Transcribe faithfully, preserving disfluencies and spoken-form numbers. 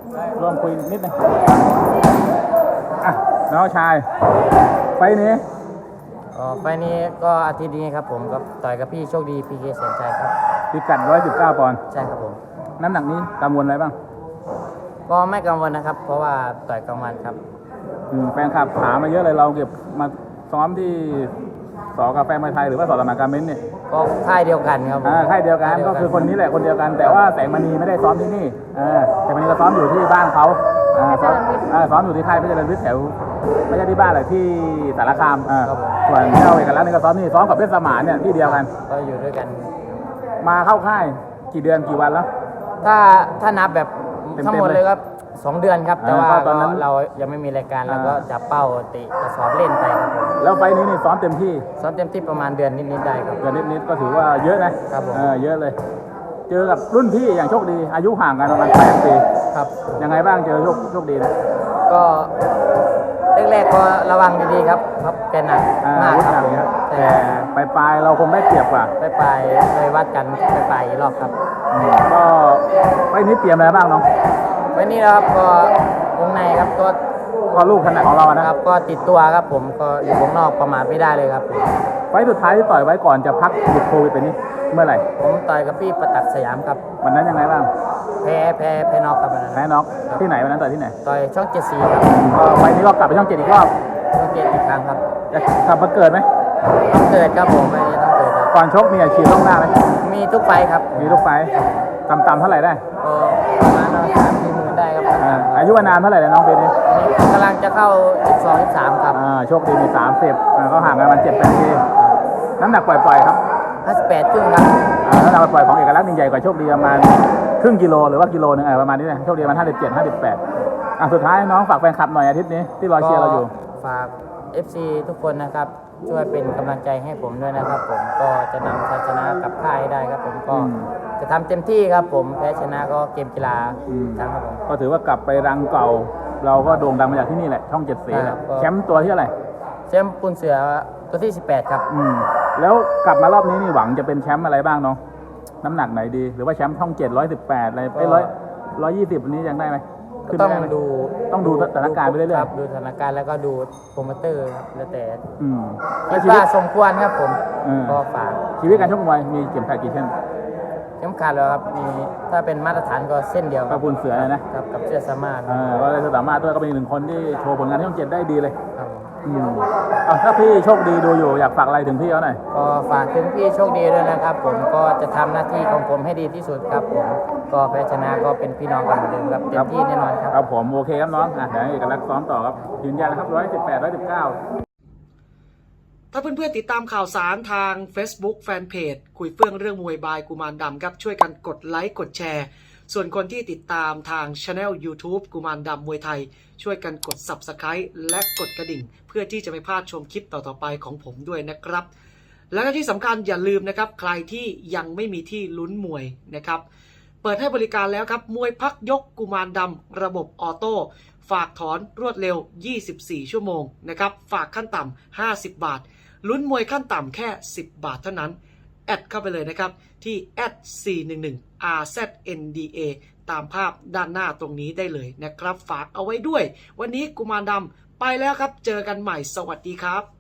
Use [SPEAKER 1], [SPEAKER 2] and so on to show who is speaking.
[SPEAKER 1] ร่วมคุยนิดนึงอ่ะน้องชายไฟนี้
[SPEAKER 2] อ๋อไฟนี้ก็อาทิตย์นี้ครับผมกับต่อยกับพี่โชคดีพีเคแสนชัยครับ
[SPEAKER 1] พิกัดร้อยสิบเก้าปอนด์
[SPEAKER 2] ใช่ครับผม
[SPEAKER 1] น้ำหนักนี้กังวลอะไรบ้าง
[SPEAKER 2] ก็ไม่กังวลนะครับเพราะว่าต่อยกลางวันครับ
[SPEAKER 1] แฟนคลับถามมาเยอะเลยเราเก็บมาซ้อมที่สอกาแฟมวยไทยหรือว่าสอสมานการเม้นเนี่ย
[SPEAKER 2] ก็ค่ายเดียวกันครับ
[SPEAKER 1] อ่าค่ายเดียวกันก็คือคนนี้แหละคนเดียวกันแต่ว่าแสงมณีไม่ได้ซ้อมที่นี่อ่าแสงมณีก็ซ้อมอยู่ที่บ้านเขาอ่าซ้อมอ่าซ้อมอยู่ที่ค่ายเพชรเจริญวิทย์แถวไม่ใช่ที่บ้านหรอกที่สารคามอ่าส่วนเจ้าเอกลักษณ์นี่ก็ซ้อมนี่ซ้อมกับเพชรสมานเนี่ยที่เดียวกัน
[SPEAKER 2] ก็อยู่ด้วยกัน
[SPEAKER 1] มาเข้าค่ายกี่เดือนกี่วันแล้ว
[SPEAKER 2] ถ้าถ้านับแบบทั้งหมดเลยครับสองเดือนครับแต่ว่าตอนนั้นเรายังไม่มีรายการเราก็จับเป้าติกระสอบเล่นไปครับผม
[SPEAKER 1] แล้วไฟนี้นี่ซ้อมเต็มที่
[SPEAKER 2] ซ้อมเต็มที่ประมาณเดือนนิดๆได้ครับ
[SPEAKER 1] เดือนนิดๆก็ถือว่าเยอะนะครับ
[SPEAKER 2] ผม
[SPEAKER 1] เออเยอะเลยเจอกับรุ่นพี่อย่างโชคดีอายุห่างกันประมาณแปดปี
[SPEAKER 2] ครับ
[SPEAKER 1] ยังไงบ้างเจอโชคโชคดีนะ
[SPEAKER 2] ก็แรกๆก็ระวังดีๆครับครับแกหนักมากครับ
[SPEAKER 1] แต่ปลายๆเราคงได้เปรียบกว่า
[SPEAKER 2] ปลายๆเลยวัดกันปลายๆรอบครับ
[SPEAKER 1] ก็ไฟนี้เตรียมอะไรบ้างน้อง
[SPEAKER 2] วันนี้นะครับก็วงในครับก็
[SPEAKER 1] ก็ลูกขนาดของเรานะครับ
[SPEAKER 2] ก็ติดตัวครับผมก็อยู่วงนอกประมาทไม่ได้เลยครับ
[SPEAKER 1] ไฟสุดท้ายที่ต่อยไว้ก่อนจะพักหยุดโควิดไปนี้เมื่อไหร่
[SPEAKER 2] ผมต่อยกับพี่ประตักสยามครับ
[SPEAKER 1] วันนั้นยังไงบ้าง
[SPEAKER 2] แพ้แพ้แพ้น็อกครับวันนั้น
[SPEAKER 1] แพ้น็อกที่ไหนวันนั้นต่อยที่ไหน
[SPEAKER 2] ต่อยช่องเจ็ดสีครับ
[SPEAKER 1] ไฟนี้ก็กลับไปช่องเจ็ดอีกรอบ
[SPEAKER 2] ช่องเจ็ดอีกครั้งครับ
[SPEAKER 1] จะกลับมาเกิดไหม
[SPEAKER 2] ต้องเกิดครับผมไม่ต้องเกิดครับ
[SPEAKER 1] ก่อนชกมีอาชีพต้องหน้าไหม
[SPEAKER 2] มีทุกไฟครับ
[SPEAKER 1] มีทุกไฟต่ำๆเท่าไหร่ได้
[SPEAKER 2] ประมาณสามสี่หมื่นได้ครับ
[SPEAKER 1] อายุนานเท่าไหร่เลยน้องเบนนี่
[SPEAKER 2] กำลังจะเข้าสิบสอง สิบสามครับ
[SPEAKER 1] โชคดีมีสามสิบเขาห่างกันมันเจ็ดแปดปีน้ำหนักปล่อยๆครับ
[SPEAKER 2] ห้าสิบแปดครึ่งครับ
[SPEAKER 1] น้ำหนักปล่อยของเอกลักษณ์นี่ใหญ่กว่าโชคดีประมาณครึ่งกิโลหรือว่ากิโลนึงประมาณนี้นะโชคดีมันห้าสิบเจ็ด ห้าสิบแปดอ่ะสุดท้ายน้องฝากแฟนคลับหน่อยอาทิตย์นี้ที่รอเชียร์เราอยู่
[SPEAKER 2] ฝาก เอฟ ซี ทุกคนนะครับช่วยเป็นกำลังใจให้ผมด้วยนะครับผมก็จะนำชัยชนะกับค่ายได้ครับผมก็จะทำเต็มที่ครับผมแพ้ชนะก็เกมกีฬาครับผม
[SPEAKER 1] ก็ถือว่ากลับไปรังเก่าเราก็โด่งดังมาจากที่นี่แหละช่องเจ็ดสีแชมป์ตัวที่เท่าไหร่
[SPEAKER 2] แชมป์ปูนเสือตัวที่สิบแปดครับ
[SPEAKER 1] อืมแล้วกลับมารอบนี้นี่หวังจะเป็นแชมป์อะไรบ้างน้องน้ำหนักไหนดีหรือว่าแชมป์ช่องเจ็ดร้อยสิบแปดอะไรไอ้ร้อยร้อยยี่สิบวันนี้ยังได้ไหม
[SPEAKER 2] ต้องดู
[SPEAKER 1] ต้องดูสถานการณ์ไปเรื่อย
[SPEAKER 2] ๆดูสถานการณ์แล้วก็ดูโปรโมเตอร์ครับแล้วแต่
[SPEAKER 1] อืม
[SPEAKER 2] คิดว่าสมควรครับผมก็ฝาก
[SPEAKER 1] ชีวิตการชกมวยมีเข็มขัดกี่เส้น
[SPEAKER 2] เข็มขัดแล้วครับมีถ้าเป็นมาตรฐานก็เส้นเดียว
[SPEAKER 1] กับปูนเสือนะครับ
[SPEAKER 2] กับเชือกสามารถ
[SPEAKER 1] เออก็เลยสามารถด้วยก็เป็นหนึ่งคนที่โชว์ผลงานที่ช่องเจ็ดได้ดีเลย
[SPEAKER 2] ครับ
[SPEAKER 1] อืมอ่ะถ้าพี่โชคดีดูอยู่อยากฝากอะไรถึงพี่เขาหน่อย
[SPEAKER 2] ก็ฝากถึงพี่โชคดีด้วยนะครับผมก็จะทำหน้าที่ของผมให้ดีที่สุดครับผมก็แพ้ชนะก็เป็นพี่น้องกันเหมือนเดิมครับเต็มที่แน่นอนครับ
[SPEAKER 1] ครับผมโอเคครับน้องอ่ะเดี๋ยวเอกลักษณ์ซ้อมต่อครับยืนยันนะครับร้อยสิบแปดร้อยสิบเก้า
[SPEAKER 3] ถ้าเพื่อนๆติดตามข่าวสารทาง Facebook Fanpage คุยเฟื่องเรื่องมวยบายกุมารดำครับช่วยกันกดไลค์กดแชร์ส่วนคนที่ติดตามทาง Channel YouTube กุมารดำมวยไทยช่วยกันกด Subscribe และกดกระดิ่งเพื่อที่จะไม่พลาดชมคลิปต่อๆไปของผมด้วยนะครับและที่สำคัญอย่าลืมนะครับใครที่ยังไม่มีที่ลุ้นมวยนะครับเปิดให้บริการแล้วครับมวยพักยกกุมารดำระบบออโต้ฝากถอนรวดเร็วยี่สิบสี่ชั่วโมงนะครับฝากขั้นต่ำห้าสิบบาทลุ้นมวยขั้นต่ำแค่สิบบาทเท่านั้นแอดเข้าไปเลยนะครับที่แอดสี่หนึ่งหนึ่ง อาร์ แซด เอ็น ดี เอ ตามภาพด้านหน้าตรงนี้ได้เลยนะครับฝากเอาไว้ด้วยวันนี้กุมารดำไปแล้วครับเจอกันใหม่สวัสดีครับ